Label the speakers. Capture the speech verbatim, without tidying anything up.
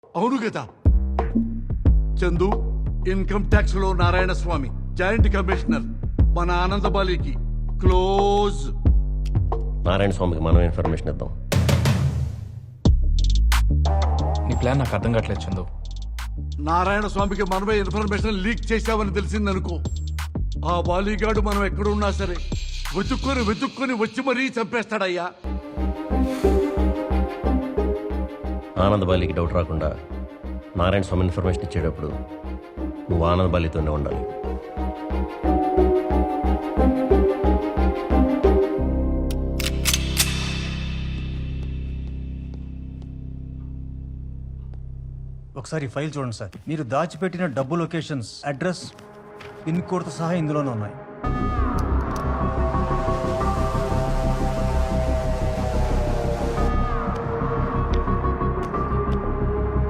Speaker 1: అవును కదా Chandu, income tax లో నారాయణ స్వామి జాయింట్ కమిషనర్ మన ఆనందబాలికి క్లోజ్.
Speaker 2: నారాయణ స్వామికి మనం ఇన్ఫర్మేషన్ ఇద్దాం.
Speaker 3: నీ ప్లాన్ నాకు అర్థం కావట్లేదు చందు.
Speaker 1: నారాయణ స్వామికి మనమే ఇన్ఫర్మేషన్ లీక్ చేశామని తెలిసిందనుకో, ఆ బాలీగాడు మనం ఎక్కడున్నా సరే వెతుక్కొని వెతుక్కొని వచ్చి మరీ చంపేస్తాడయ్యా.
Speaker 2: ఆనందబాలికి డౌట్ రాకుండా నారాయణ స్వామి ఇన్ఫర్మేషన్ ఇచ్చేటప్పుడు నువ్వు ఆనందబాలితోనే ఉండాలి.
Speaker 4: ఒకసారి ఫైల్ చూడండి సార్. మీరు దాచిపెట్టిన డబ్బు లొకేషన్స్, అడ్రస్, పిన్ కోడ్తో సహా ఇందులోనే ఉన్నాయి.